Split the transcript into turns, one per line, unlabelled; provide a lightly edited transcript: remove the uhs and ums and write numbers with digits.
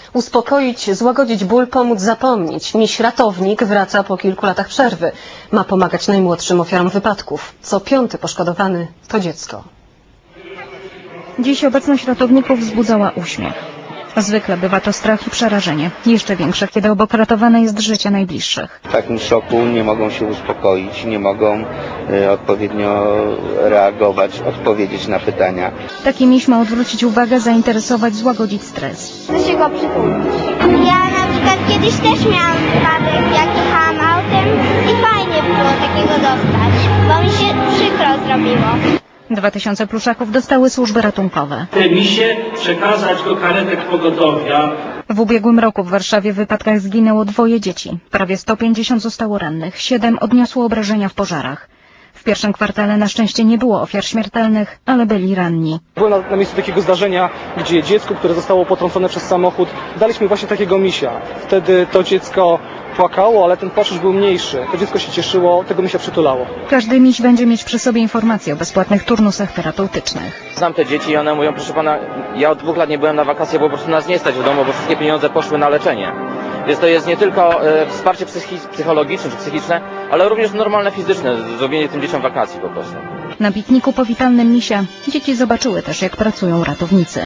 Uspokoić, złagodzić ból, pomóc zapomnieć. Miś ratownik wraca po kilku latach przerwy. Ma pomagać najmłodszym ofiarom wypadków. Co piąty poszkodowany to dziecko.
Dziś obecność ratowników wzbudzała uśmiech. Zwykle bywa to strach i przerażenie. Jeszcze większe, kiedy obok ratowane jest życie najbliższych.
W takim szoku nie mogą się uspokoić, nie mogą odpowiednio reagować, odpowiedzieć na pytania.
Taki miś ma odwrócić uwagę, zainteresować, złagodzić stres.
Chcę się go przytulić. Ja na przykład kiedyś też miałam wypadek, jak jechałam autem i fajnie było takiego dostać, bo mi się przykro zrobiło.
2000 pluszaków dostały służby ratunkowe.
Te misie przekazać do karetek pogotowia.
W ubiegłym roku w Warszawie w wypadkach zginęło 2 dzieci. Prawie 150 zostało rannych, 7 odniosło obrażenia w pożarach. W pierwszym kwartale na szczęście nie było ofiar śmiertelnych, ale byli ranni.
Byłem na miejscu takiego zdarzenia, gdzie dziecku, które zostało potrącone przez samochód, daliśmy właśnie takiego misia. Wtedy to dziecko płakało, ale ten płacz już był mniejszy. To dziecko się cieszyło, tego misia przytulało.
Każdy miś będzie mieć przy sobie informacje o bezpłatnych turnusach terapeutycznych.
Znam te dzieci i one mówią, proszę pana, ja od 2 lat nie byłem na wakacje, bo po prostu nas nie stać w domu, bo wszystkie pieniądze poszły na leczenie. Więc to jest nie tylko wsparcie psychologiczne czy psychiczne, ale również normalne fizyczne, zrobienie tym dzieciom wakacji po prostu.
Na pikniku powitalnym misia dzieci zobaczyły też, jak pracują ratownicy.